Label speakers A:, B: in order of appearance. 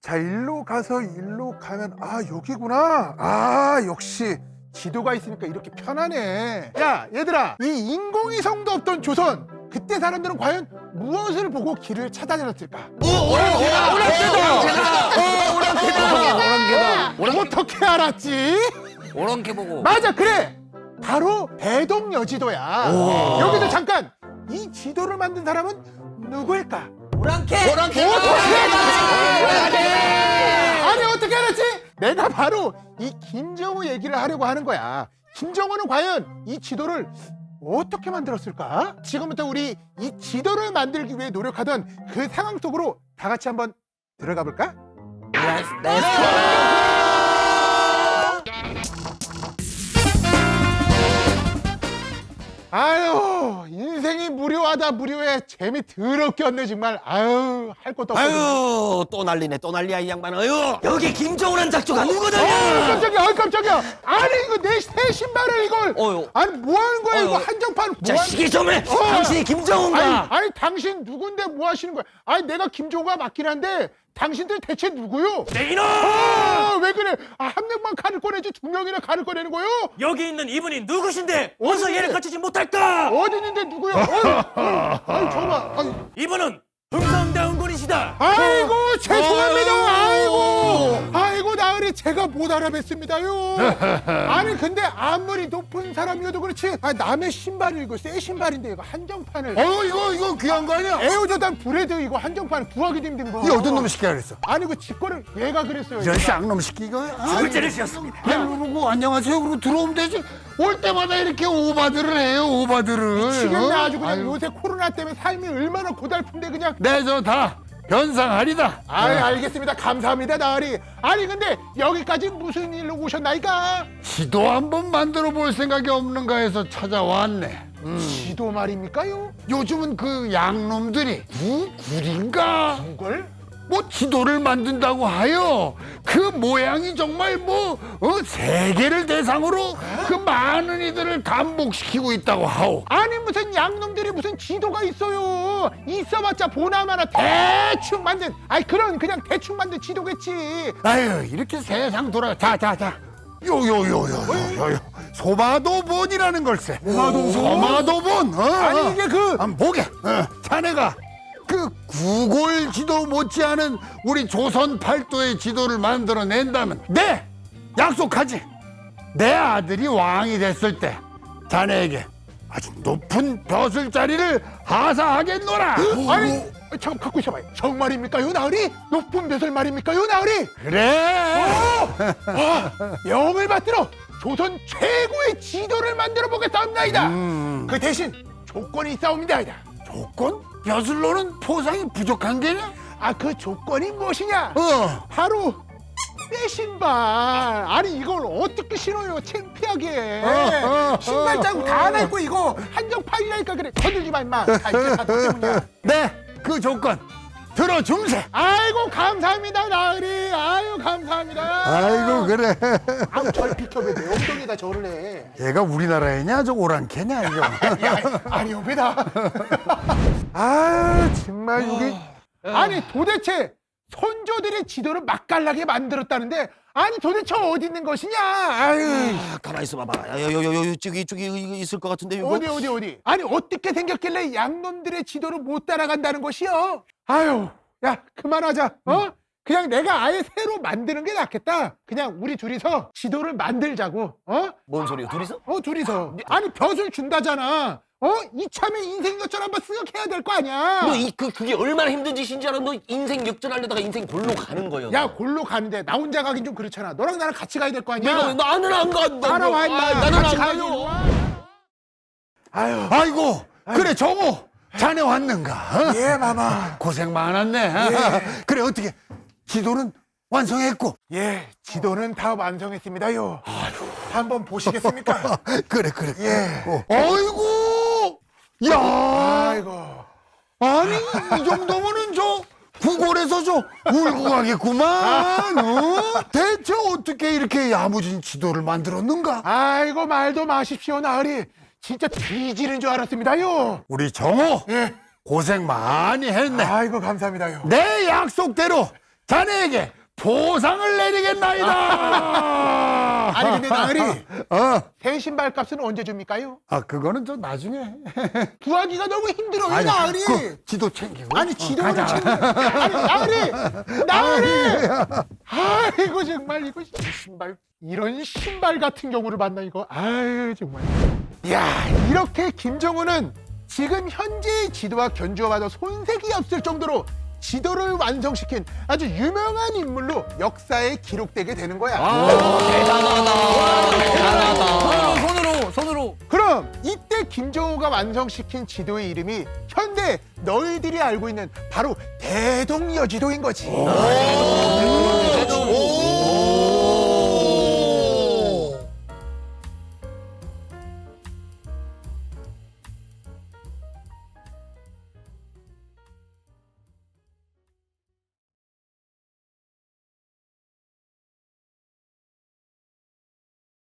A: 자, 일로 가서 일로 가면 아 여기구나. 아 역시 지도가 있으니까 이렇게 편하네. 야 얘들아, 이 인공위성도 없던 조선, 그때 사람들은 과연 무엇을 보고 길을 찾아다녔을까?
B: 오랑캐다.
A: 어떻게 알았지?
B: 오랑캐 보고.
A: 맞아, 그래, 바로 대동여지도야. 여기도 잠깐, 이 지도를 만든 사람은 누구일까?
B: 오랑캐.
A: 아니 어떻게 알았지? 내가 바로 이 김정우 얘기를 하려고 하는 거야. 김정우는 과연 이 지도를 어떻게 만들었을까? 지금부터 우리 이 지도를 만들기 위해 노력하던 그 상황 속으로 다 같이 한번 들어가 볼까? 아유, 인생이 무료하다 무료해. 재미 더럽게 없네 정말. 아유, 할 것도 없고.
B: 아유, 또 난리네, 또 난리야 이 양반. 아유, 여기 김정우란 작조가 누구더냐?
A: 깜짝이야, 깜짝이야. 아니 이거 새 신발을 이걸.
B: 어휴.
A: 아니 뭐 하는 거야 이거, 한정판 뭐
B: 자, 시기 좀 해.
A: 어.
B: 당신이 김정우인가?
A: 아니 당신 누군데 뭐 하시는 거야? 아니 내가 김종우가 맞긴 한데 당신들 대체 누구요?
B: 내 이놈!
A: 왜 그래? 한 명만 칼을 꺼내지 두 명이나 칼을 꺼내는 거요?
C: 여기 있는 이분이 누구신데 어서
A: 어디?
C: 얘를 갖추지 못할까?
A: 어디 있는데 누구요? 아니 저봐.
C: 이분은 흥성대원군이시다.
A: 아이고 죄송합니다. 아이고 나으리, 제가 못 알아뵀습니다요. 아니 근데 아무리 높은 사람이어도 그렇지, 남의 신발을, 이거 새 신발인데 이거 한정판을.
D: 이거 귀한 거 아니야?
A: 에어조단 브레드 이거 한정판 구하기도 힘든 거.
D: 이 어떤 놈이 시키라 그랬어?
A: 아니 그 직권을 얘가 그랬어요.
D: 이런
A: 얘가.
D: 쌍놈 시키 이거?
C: 둘째를 지었습니다.
D: 그러고 안녕하세요 그러고 들어오면 되지. 올 때마다 이렇게 오바들을 해요, 오바들을.
A: 미치겠네 아주 그냥.
D: 아유.
A: 요새 코로나 때문에 삶이 얼마나 고달픈데 그냥.
D: 네, 저 다 변상하리다.
A: 알겠습니다. 감사합니다 나으리. 아니 근데 여기까지 무슨 일로 오셨나이까?
D: 지도 한번 만들어 볼 생각이 없는가 해서 찾아왔네.
A: 지도 말입니까요?
D: 요즘은 그 양놈들이 구글인가?
A: 이걸?
D: 뭐 지도를 만든다고 하여 그 모양이 정말 세계를 대상으로 그 많은 이들을 감복시키고 있다고 하오.
A: 아니 무슨 양놈들이 무슨 지도가 있어요. 있어봤자 보나마나 대충 만든, 그냥 대충 만든 지도겠지.
D: 아유, 이렇게 세상 돌아. 자. 요요요요요요. 소마도본이라는 걸세. 소마도본.
A: 아니 이게 그
D: 한번 보게. 자네가 그 구골 지도 못지않은 우리 조선 팔도의 지도를 만들어낸다면 약속하지. 내 아들이 왕이 됐을 때 자네에게 아주 높은 벼슬자리를 하사하겠노라.
A: 아니 잠깐 갖고 있어봐요. 정말입니까요 나으리? 높은 벼슬 말입니까요 나으리?
D: 그래.
A: 영을 받들어 조선 최고의 지도를 만들어 보겠사옵나이다. 그 대신 조건이 있사옵니다이다.
D: 조건? 벼슬로는 포상이 부족한 게냐?
A: 그 조건이 무엇이냐? 바로 새 신발. 아니 이걸 어떻게 신어요, 창피하게. 신발 자국 다 하나 있고 이거 한정판이라니까. 그래 건들지 마 임마. 다 이게 다 때문이야.
D: 네, 그 조건 들어줌세.
A: 아이고 감사합니다 나으리. 아유 감사합니다.
D: 아이고, 그래.
A: 절 비켜봐. 내 엉덩이에다 절을 해.
D: 얘가 우리나라애냐 저 오랑캐냐 이거.
A: 아니 여기다. 정말 여기. 아니 도대체 선조들의 지도를 맛깔나게 만들었다는데, 아니 도대체 어디 있는 것이냐?
B: 가만히 있어봐봐. 이쪽이 이거 있을 것 같은데 이거.
A: 어디? 아니 어떻게 생겼길래 양놈들의 지도를 못 따라간다는 것이요? 야 그만하자. 그냥 내가 아예 새로 만드는 게 낫겠다. 그냥 우리 둘이서 지도를 만들자고.
B: 뭔 소리야, 둘이서?
A: 둘이서. 아니 벼슬 준다잖아. 이참에 인생 역전 한번 쓱 해야 될 거 아니야.
B: 그게 얼마나 힘든 짓인지 알아? 너 인생 역전하려다가 인생 골로 가는 거야.
A: 야 골로 가는데 나 혼자 가긴 좀 그렇잖아. 너랑 나랑 같이 가야 될 거 아니야.
B: 내가 나는 안 가.
A: 따라와 임마.
B: 나는
A: 같이
B: 안
A: 가요.
B: 가요.
D: 아이고, 그래 정호 자네 왔는가?
A: 예 마마.
D: 고생 많았네. 그래 어떻게 지도는 완성했고?
A: 예, 지도는 다 완성했습니다요. 한번 보시겠습니까?
D: 그래.
A: 예.
D: 아이고, 야,
A: 아이고.
D: 아니 이 정도면은 저 구골에서 저 울고 가겠구만. 대체 어떻게 이렇게 야무진 지도를 만들었는가?
A: 아이고 말도 마십시오 나으리. 진짜 뒤지는 줄 알았습니다요.
D: 우리 정호
A: 예.
D: 고생 많이 했네.
A: 아이고 감사합니다요.
D: 내 약속대로 자네에게 보상을 내리겠나이다.
A: 아니 근데 나으리
D: 새
A: 신발 값은 언제 줍니까요?
D: 그거는 좀 나중에.
A: 구하기가 너무 힘들어요
D: 아니,
A: 나으리.
D: 그 지도 챙기고.
A: 아니 지도를
D: 가자.
A: 챙겨. 아니 나으리. 아이고 정말 이거 신발 이런 신발 같은 경우를 만나 이거. 아유 정말. 야 이렇게 김정은은 지금 현재의 지도와 견주어봐도 손색이 없을 정도로 지도를 완성시킨 아주 유명한 인물로 역사에 기록되게 되는 거야.
C: 손으로.
A: 그럼 이때 김정우가 완성시킨 지도의 이름이 현대 너희들이 알고 있는 바로 대동여지도인 거지.